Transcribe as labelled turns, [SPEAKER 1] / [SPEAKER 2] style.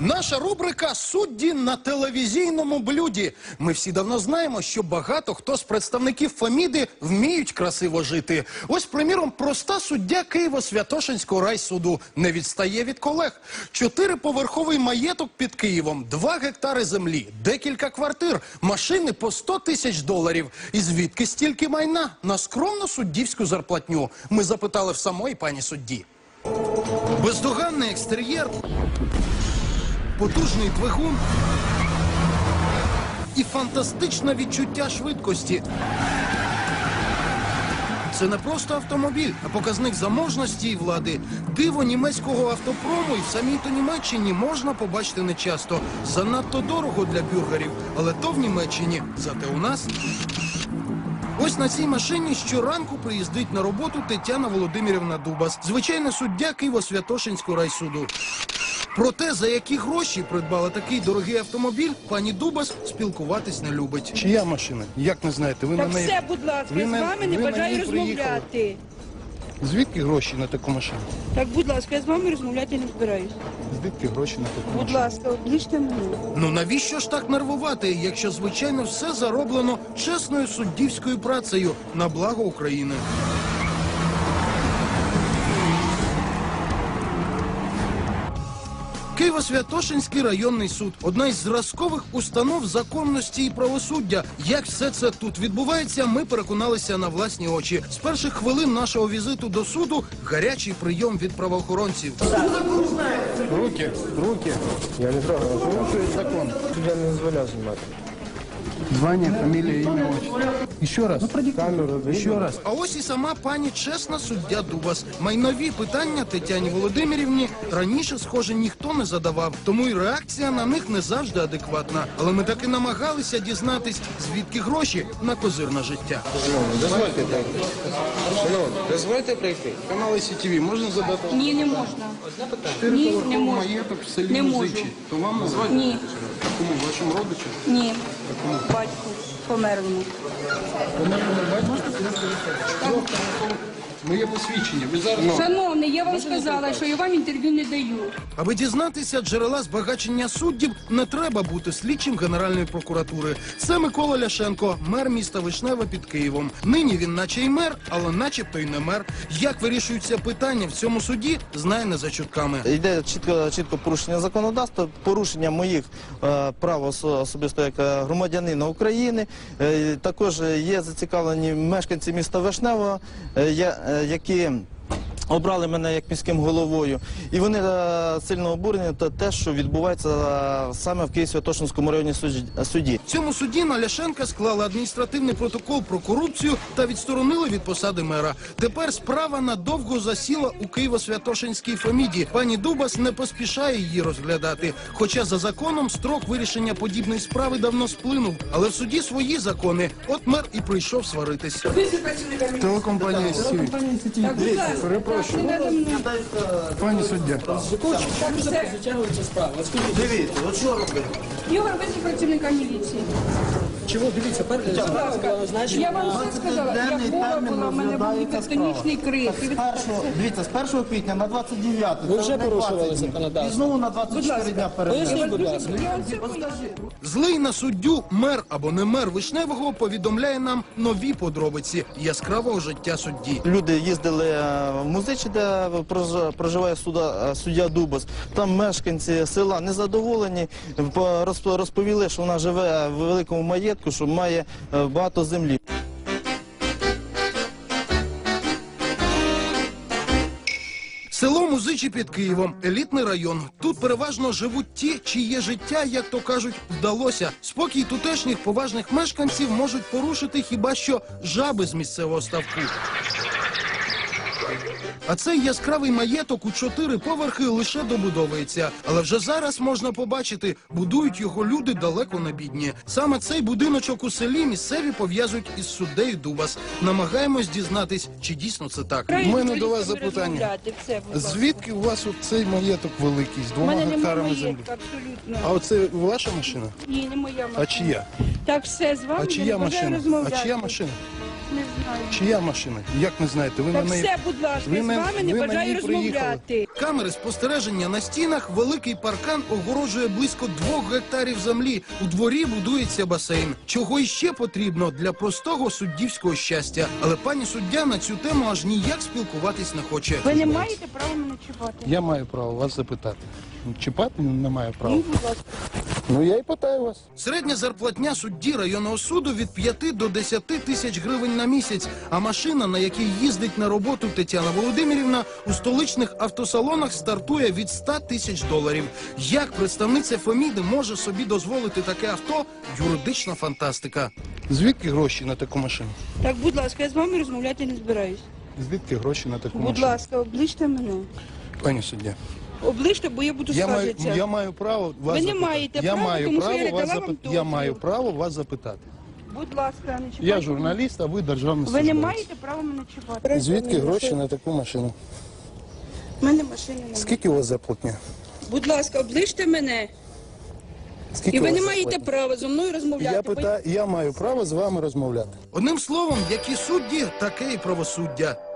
[SPEAKER 1] Наша рубрика «Судді на телевізійному блюді». Ми всі давно знаємо, що багато хто з представників Феміди вміють красиво жити. Ось, приміром, проста суддя Києво-Святошинського райсуду не відстає від колег. 4-поверховий маєток під Києвом, 2 гектари землі, декілька квартир, машини по 100 тисяч доларів. І звідки стільки майна на скромну суддівську зарплатню? Ми запитали в самої пані судді. Бездоганний екстер'єр, потужний двигун і фантастичне відчуття швидкості. Це не просто автомобіль, а показник заможності і влади. Диво німецького автопрому і в самій-то Німеччині можна побачити нечасто. Занадто дорого для бюргерів, але то в Німеччині, зате у нас. Ось на цій машині щоранку приїздить на роботу Тетяна Володимирівна Дубас, звичайна суддя Києво-Святошинського райсуду. Про те, за які гроші придбала такий дорогий автомобіль, пані Дубас спілкуватись не любить. Чия машина? Як не знаєте? Ви
[SPEAKER 2] Так
[SPEAKER 1] на неї...
[SPEAKER 2] все, будь ласка, з вами не бажаю розмовляти.
[SPEAKER 1] Звідки гроші на таку машину?
[SPEAKER 2] Так, будь ласка, я з вами розмовляти не збираюсь.
[SPEAKER 1] Звідки гроші на таку машину?
[SPEAKER 2] Будь ласка, обличте мене.
[SPEAKER 1] Ну навіщо ж так нервувати, якщо, звичайно, все зароблено чесною суддівською працею на благо України? Києво-Святошинський районний суд – одна із зразкових установ законності і правосуддя. Як все це тут відбувається, ми переконалися на власні очі. З перших хвилин нашого візиту до суду – гарячий прийом від правоохоронців.
[SPEAKER 3] Руки. Я не трогаю. Порушує закон. Я не дозволяю знімати.
[SPEAKER 1] Звання, фамілія, ім'я, отчество. Ще раз.
[SPEAKER 3] Камеру,
[SPEAKER 1] Ще раз. А ось і сама пані чесна суддя Дубас. Майнові питання Тетяні Володимирівні раніше, схоже, ніхто не задавав. Тому і реакція на них не завжди адекватна. Але ми таки намагалися дізнатись, звідки гроші на козирне життя.
[SPEAKER 3] Дозвольте прийти. Шановні, дозвольте прийти.
[SPEAKER 1] Канали СІТВ можна задати?
[SPEAKER 2] Ні, не можна. Ні, не можна.
[SPEAKER 1] Маєток в селі
[SPEAKER 2] Не можу.
[SPEAKER 1] Музичі. То вам назвати?
[SPEAKER 2] Ні,
[SPEAKER 1] Кому? Вашому родичу?
[SPEAKER 2] ні. Батьку померлому.
[SPEAKER 1] Моє посвідчення. Ви зараз...
[SPEAKER 2] Шановний, я вам сказала, що я вам інтерв'ю не даю.
[SPEAKER 1] Аби дізнатися джерела збагачення суддів, не треба бути слідчим Генеральної прокуратури. Це Микола Ляшенко, мер міста Вишневе під Києвом. Нині він наче й мер, але начебто й не мер. Як вирішуються питання в цьому суді, знає не за чутками.
[SPEAKER 4] Йде чітко порушення законодавства, порушення моїх прав особисто як громадянина України. Також є зацікавлені мешканці міста Вишневого, які обрали мене як міським головою. І вони сильно обурені те, що відбувається саме в Києво-Святошинському районній суді.
[SPEAKER 1] В цьому суді на Ляшенка склали адміністративний протокол про корупцію та відсторонили від посади мера. Тепер справа надовго засіла у Києво-Святошинській Феміді. Пані Дубас не поспішає її розглядати. Хоча за законом строк вирішення подібної справи давно сплинув. Але в суді свої закони. От мер і прийшов сваритись. Телекомпанія СІТВ.
[SPEAKER 2] Так, будь ласка. Так, не надо мною.
[SPEAKER 1] Пані суддя.
[SPEAKER 4] Дивіться, от що робити?
[SPEAKER 2] Ігор, ви працівника міліції.
[SPEAKER 3] Чого? Дивіться,
[SPEAKER 2] Я вам все сказала, я хвора була, в мене був тектонічний крик.
[SPEAKER 4] Дивіться, з 1 квітня на 29.
[SPEAKER 3] Ви вже порушували законодавство.
[SPEAKER 4] І знову на 24 дня перед.
[SPEAKER 3] Поясніть, будь ласка.
[SPEAKER 1] Злий на суддю мер або не мер Вишневого повідомляє нам нові подробиці яскравого життя судді.
[SPEAKER 4] Люди їздили в Музичі, де проживає суддя Дубас. Там мешканці села незадоволені, розповіли, що вона живе в великому маєтку, що має багато землі.
[SPEAKER 1] Село Музичі під Києвом – елітний район. Тут переважно живуть ті, чиє життя, як то кажуть, вдалося. Спокій тутешніх поважних мешканців можуть порушити хіба що жаби з місцевого ставку. А цей яскравий маєток у 4 поверхи лише добудовується. Але вже зараз можна побачити, будують його люди далеко не бідні. Саме цей будиночок у селі місцеві пов'язують із суддею Дубас. Намагаємось дізнатись, чи дійсно це так. У мене до вас запитання. Звідки у вас цей маєток великий, з 2 гектарами землі?
[SPEAKER 2] Абсолютно.
[SPEAKER 1] А оце ваша машина?
[SPEAKER 2] Ні, не моя машина.
[SPEAKER 1] А чия?
[SPEAKER 2] Так, все, з вами
[SPEAKER 1] А
[SPEAKER 2] я
[SPEAKER 1] чия
[SPEAKER 2] не бажаю
[SPEAKER 1] машина?
[SPEAKER 2] розмовляти.
[SPEAKER 1] А чия машина?
[SPEAKER 2] Не знаю.
[SPEAKER 1] Чия машина? Як не знаєте? Ви
[SPEAKER 2] Так
[SPEAKER 1] на неї...
[SPEAKER 2] все, будь ласка,
[SPEAKER 1] ви
[SPEAKER 2] я з
[SPEAKER 1] на-
[SPEAKER 2] вами не
[SPEAKER 1] ви на
[SPEAKER 2] бажаю
[SPEAKER 1] ній приїхали.
[SPEAKER 2] розмовляти.
[SPEAKER 1] Камери спостереження на стінах, великий паркан огорожує близько 2 гектарів землі. У дворі будується басейн. Чого іще потрібно для простого суддівського щастя. Але пані суддя на цю тему аж ніяк спілкуватись не хоче.
[SPEAKER 2] Ви не маєте права мене чіпати.
[SPEAKER 3] Я маю право вас запитати. Чіпати не маю права.
[SPEAKER 2] Ну, будь ласка.
[SPEAKER 3] Ну я і питаю вас.
[SPEAKER 1] Середня зарплатня судді районного суду від 5 до 10 тисяч гривень на місяць. А машина, на якій їздить на роботу Тетяна Володимирівна, у столичних автосалонах стартує від 100 тисяч доларів. Як представниця Феміди може собі дозволити таке авто? Юридична фантастика.
[SPEAKER 3] Звідки гроші на таку машину?
[SPEAKER 2] Так, будь ласка, я з вами розмовляти не збираюсь.
[SPEAKER 3] Звідки гроші на таку
[SPEAKER 2] Будь
[SPEAKER 3] машину?
[SPEAKER 2] ласка, обличте мене.
[SPEAKER 3] Пані суддя,
[SPEAKER 2] Обличте, бо я буду скаржитися.
[SPEAKER 3] я маю право вас
[SPEAKER 2] Ви не
[SPEAKER 3] запитати.
[SPEAKER 2] маєте
[SPEAKER 3] я
[SPEAKER 2] права,
[SPEAKER 3] маю
[SPEAKER 2] тому що
[SPEAKER 3] право
[SPEAKER 2] я
[SPEAKER 3] вас
[SPEAKER 2] дала вам
[SPEAKER 3] запитати. Я
[SPEAKER 2] дозвіл.
[SPEAKER 3] маю право вас запитати.
[SPEAKER 2] Будь ласка, не чіпайте.
[SPEAKER 3] Я журналіст, а ви державний
[SPEAKER 2] Ви не
[SPEAKER 3] службовець.
[SPEAKER 2] маєте права мене чіпати.
[SPEAKER 3] Звідки гроші на таку машину?
[SPEAKER 2] У мене машини немає.
[SPEAKER 3] Скільки у вас зарплатня?
[SPEAKER 2] Будь ласка, обличте мене.
[SPEAKER 3] Скільки
[SPEAKER 2] І
[SPEAKER 3] у
[SPEAKER 2] ви
[SPEAKER 3] вас
[SPEAKER 2] не маєте
[SPEAKER 3] зарплатня?
[SPEAKER 2] права зі мною розмовляти.
[SPEAKER 3] Я маю право з вами розмовляти.
[SPEAKER 1] Одним словом, які судді, таке і правосуддя.